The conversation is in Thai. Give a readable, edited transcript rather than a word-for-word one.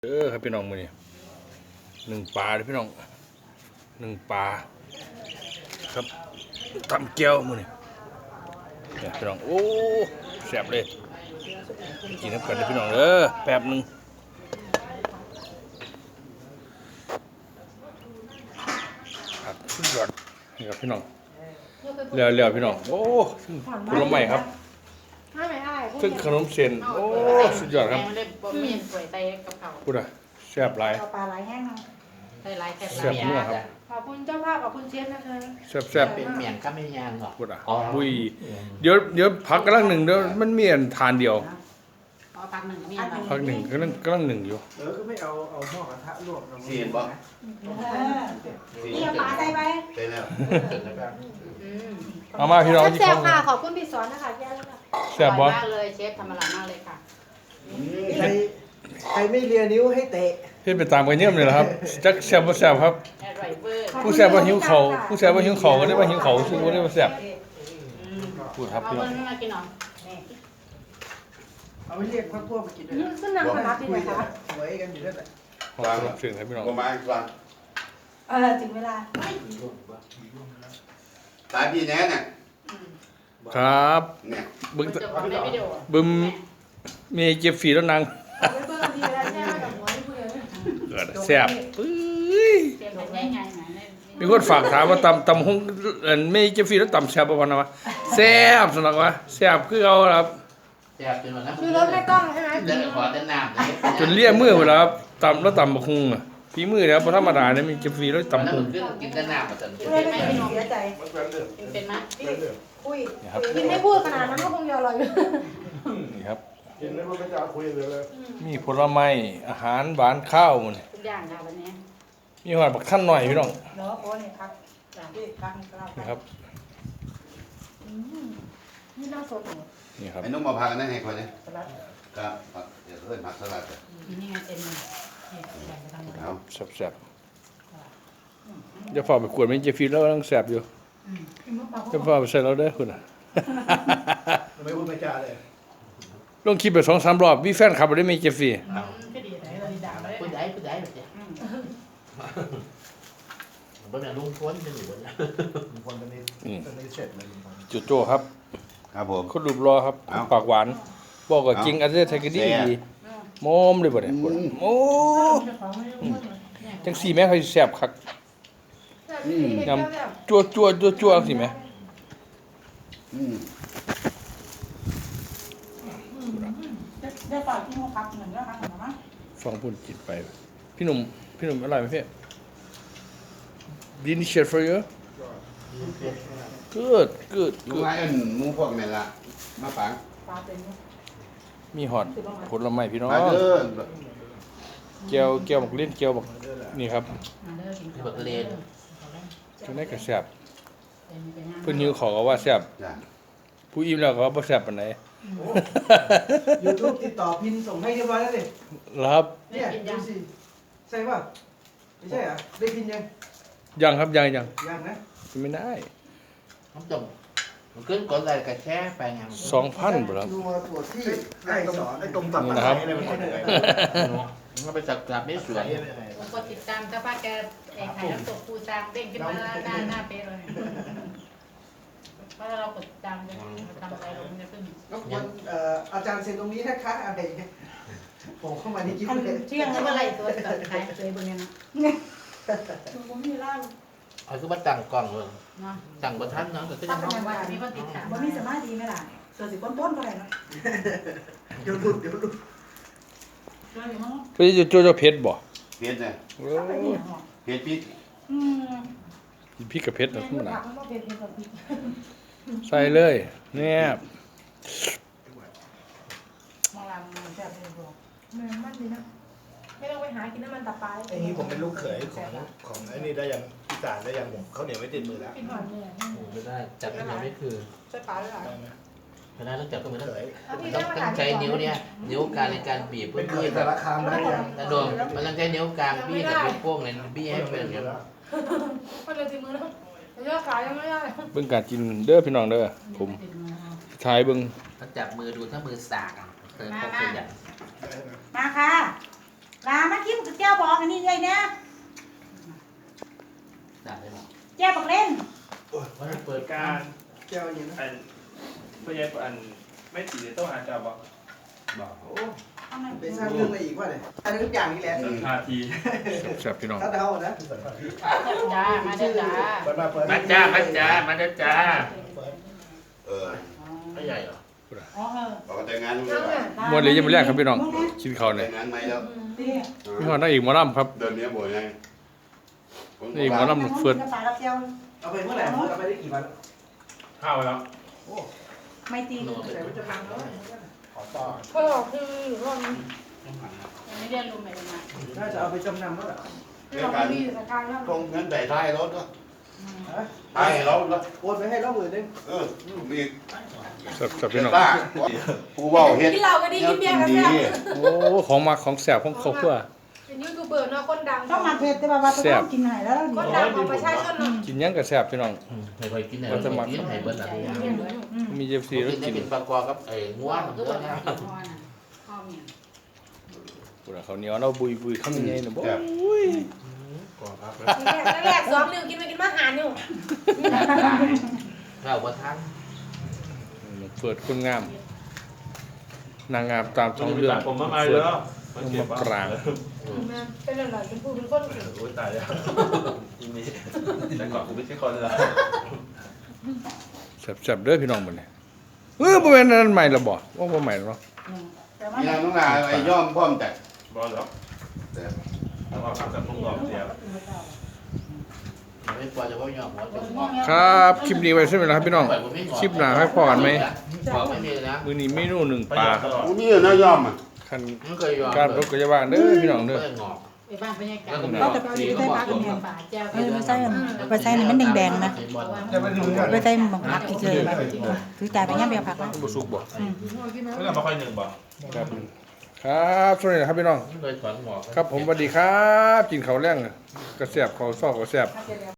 ครับพี่น้องมือนี่หนึ่งปลาเลยพี่น้องหนึ่งปลาครับทำแก้วมือนี่เนี่ยพี่น้องโอ้แซ่บเลยกินน้ำกันเลยพี่น้องแป๊บหนึ่งครับสุดยอดนี่ครับพี่น้องเลี้ยวพี่น้องโอ้ผลไม้ครับซึ่งขนมเส้นโอ้สุดยอดครับพูดอะแซ่บหลายปลาไหลแห้งเนาะใส่ลายแค่แซ่บนัวครับขอบคุณเจ้าภาพขอบคุณเชฟนะคะแซ่บเป็นเมียงก็ไม่ยางหรอกพูดอะบุยเดี๋ยวพักกำลังหนึ่งเดี๋ยวมันมีอันทานเดียวอ๋อพักหนึ่งมีพักหนึ่งกำลังหนึ่งอยู่ก็ไม่เอาหม้อกระทะลวกเสียนบ่นี่เอาปลาใส่ไปใช่แล้วเอามาพี่น้องที่แซ่เขาบค่ะขอบคุณพี่สอนนะคะแย่แล้วค่ะแซ่บบ่มากเลยเชฟทำอร่อยมากเลยค่ะใครไม่เลียนิ้วให้เตะเฮ็ดไปตามกันเยี่ยมเลยนะครับจักแซ่บบ่แซ่บครับอร่อยเวอร์ผู้แซ่บบ่หิวเขาผู้แซ่บบ่หิวเขาก็ได้บ่หิวเขาซึ่งบ่ได้บ่แซ่บพูดครับเอาพี่น้เงิองนมากินหรอเอาไปเรียกพวกมากินด้วยขึ้นนางขนาดนี้คุเลย ยกันค่ะไว้กันอยู่ด้วยแต่ขอบคุณเสียงครับพี่น้องประมาณกลางถึงเวลาตายพี่แน่น่ะครับเนี่ยบึ้งจะบอกในวิดีโอบึ้มมีเก็บฝีแล้วนางเอาไปเบิ่งทีแล้วแช่กับหัวที่พูดเลยเกิดแซ่บปื้ยเชฟเป็นง่ายๆหน่อยมีคนฝากถามว่าตำฮงไม่เก็บฝีแล้วตำแซ่บบ่วะนะวะแซ่บสนักวะแซ่บคือเอาครับแซ่บจนวันนั้นคือรถไม่กล้องใช่ไหมเดินขอเดินน้ำจนเลี่ยมือหมดแล้วครับตำแล้วตำบักฮุงอ่ะฝีมือแล้วบ่ธรรมดาเนี่ยมีเก็บฝีแล้วตำฮุงกินเดินน้ำมาจนเลยไม่เสียใจเป็นไหมคุยกินไม่พูดขนาดนั้นก็คงจะอร่อยอยู่นี่ครับกินแล้วมันก็จะคุยเลยมีผลไม้อาหารหวานข้าวมันทุกอย่างค่ะวันนี้มีหอดบักท่านหน่อยพี่น้องเนาะโอ้นี่พักนี่พักเรานี่ครับนี่น่าสดนี่ครับไอ้นุ่มมาพากันได้ไงคนนี้สลัดครับเดี๋ยวเพิ่นผักสลัดนี่ไงเป็นเอาแซ่บๆจะฝากไปขวดมันจะฟีแล้วต้องแซ่บอยู่จะฝากไปใส่เราได้อคุณอ่ะไม่พูดไม่จาเลยลงคลิปไป2-3 รอบมีแฟนคลับบ่ได้มีเจฟฟี่ก็ดีไหนเราดีด่าเลยผู้ใหญ่แบบนี้บนนั้นลุงพ้นเป็นอยู่บนนั้นลุงพลตอนนี้เสร็จเลยลุงพลโจโจ้ครับครับผมคนรูปรอครับปากหวานบอกกับจริงอันนี้ไทยก็ดีดีโมมเลยบ่เนี่ยโอ้จังซี่แม่เขาสิแซ่บคักยำจั่วสิแม่ได้ฝากที่ห้องพักเหมือนกันค่ะมั้งฟังพูดจิตไปพี่หนุ่มอร่อยไหมพี่ Delicious for you good ลูกไอ้อันหมูพวกนี่ล่ะมาปังปลาเป็นมีหอดผลไม้พี่น้องมาเด้อแก้วบักเล่นแก้วบักนี่ครับบักเลนจังได้ก็แซ่บเพิ่นหิวขอก็ว่าแซ่บจ้ะผู้อิ่มแล้วก็ว่าบ่แซ่บปานใดยูทูบติดต่อพินส่งให้เรียบร้อยแล้วดิครับเนี่ยดูสิใช่ป่ะไม่ใช่อ่ะได้พินยังยังครับยังยังนะไม่ได้น้ำจมมันขึ้นกดอะไรกับแช่ไปไง 2,000บ่ครับดูตัวที่ไอ้สอนไอ้ตรงตัดนี่นะครับอะไรมันเหนื่อยมันไปจับกลับไม่สวยผมก็ติดตามถ้าป้าแกไอ้ไข่น้ำตกปูจางเด้งขึ้นมาหน้าเป๊ะเลยเพราะเรากดติดตามเลยทำอะไรลงเนี่ยเพิ่งก็ควรอาจารย์เซ็นตรงนี้นะคะอะไรอย่างเงี้ยผมเข้ามาในคลิปเลยเที่ยงแล้วเมื่อไรตัวตัดขายเลยบนเนี้ยนะผมมีร่างเอาคือว่าตั้งกล้องเลยเนาะตั้งบนทันเนาะแต่ก็ถ้ายังเป็นว่ามีคนติดตามบ่มีสมาธิไหมล่ะเสือสิก้นต้นก็ได้เนาะเดี๋ยวหลุดเสืออยู่มั้งเพิ่นจะโจเผ็ดบ่เผ็ดน่ะโอ้เผ็ดพริกกินพริกกับเผ็ดนะธรรมดาผักมันก็เป็นแบบนี้ใส่เลยแนบมองลำมันแซ่บเลยบอกมันดีนะไม่ต้องไปหากินน้ำมันตับปลาไอ้นี่ผมเป็นลูกเขยของไอ้นี่ได้ยังอีสานได้ยังผมเขาวเหนียวไม่ติดมือแล้วกินหอนเนี่ยไม่ได้จับยังไม่คือใส่ปลาเลยเหรอได้ไหมไม่ได้ต้องจับก็เหมือนเขยต้องใช้นิ้วเนี่ยนิ้วกลางในการบีบเป็เพื่นอเขยที่แต่ละคำได้ยังกระโดดมันต้องใช้นิ้วกลางบี้กับนิ้วโป้งเนี่ยบี้ให้เป็นอย่างนี้ก็เลยทีมือแล้วยอดขายยังไม่ได้เบิ่งการกินเด้อพี่น้องเด้อผมถ่ายเบิ่งต้องจับมือดูถ้ามือสากอ่ะเธอคงขยันมาค่ะลามากินกับแก้วบอกอันนี้เลยนะได้ไหมแก้วบอกเล่นว่าเปิดการแก้วอย่างนี้นะอันพยายามไม่ตีต้องหาจับบอกบอกโอ้ไปสร้างเรื่องอะไรอีกวะเนี่ยอันนี้ทุกอย่างนี่แหละนาทีแซ่บพี่น้องถ้าเดานะจ้ามาเด้อจ้าเปิดมาเปิดมาจ้ามาจ้ามาเด้อจ้าเออไม่ใหญ่เหรออ๋อเออบอกว่าแต่งงานนั่งอ่ะมวนเลยยังไม่แรกครับพี่น้องกินข้าวแต่เนี่ยงงานไหมแล้วพี่น้องนั่งอีกหมอลำครับเดินเนี้ยบ่อยไงนี่หมอลำเฟื่อนกับปลากับแก้วเอาไปเมื่อไหร่เอาไปได้กี่วันเข้าแล้วไม่ตีใส่ไว้จะพังแล้วขอต่อพ่อคือว่าไม่เรียนรู้ใหม่มาน่าจะเอาไปจำนำแล้วล่ะเราไม่มีสถานแล้วตรงเงินใส่ท้ายรถก็ท้ายรถแล้วโอนไปให้เรา10,000นึงมีแซ่บพี่น้องป้าผู้เว่าเฮ็ดกินเหล้าก็ดีกินเบียร์ก็แซ่บโอ้ของมักของแซ่บของครอบครัวเป็นยูทูบเบอร์เนาะคนดังต้องมาเผ็ดแต่ว่าต้องกินหายแล้วคนดังของประชาชนเนาะกินหยังก็แซ่บพี่น้องให้ไปกินไหนกินไหนเบิ้ลอะไรมีเจฟซีแล้วกินได้กินเป็นปลากรกับไอ้ง่วงคือเยบ่อะได้นะกินพ่อน่ะพ่อเมียปวดเขาวเหนียวเราบุยคำยังไงนะบ่ก่อนครับแรก2 นิ้วกินไปกินมา5 นิ้วข้าวบะทั้งเปิดคนงาม นางงามตามท้องเรื่องผมมาเปิแล้ดวลงมากลางเป็นอะไรเป็นผู้เป็นคนเก่งโอ้ยตายแล้วทีนี้แต่ก่อนกูไม่ใช่คนแล้วแซ่บๆเด้อพี่น้องมื้อนี้บ่แม่นอันใหม่ละบ่ว่าบ่ใหม่เนาะมีนางน้องนาไอ้ย่อมพร้อมแต่บอลแล้วต้องเอาข้าวกับพวกเราเดียวไม่ปล่อยจะว่ายอมหัวเป็นงอกครับคลิปนี้ไว้ใช่ไหมล่ะครับพี่น้องคลิปหน้าให้พอกันไหมบอกไม่มีนะมื้อนี้เมนูหนึ่งปลาครับกูนี่นะย่อมอ่ะคันไม่เคยยอมการรถก็จะว่างเด้อพี่น้องเด้องอกไปบ้านบรรยากาศก็แต่ปกติใส่ปลากับแก้วป่าแก้วไม่ใส่ไปใส่นี่มันแดงๆนะไปใส่หมกผักอีกเลยคือจ่ายไปงั้นเบียร์ผักนะบ่สุกบ่ไม่ต้องมาค่อยหนึ่งบอกครับครับสวัสดีครับพี่น้องไม่เคยถอนงอกครับผมสวัสดีครับกินข้าวแรงกระแซ่บข้าวซอกกระแซ่บ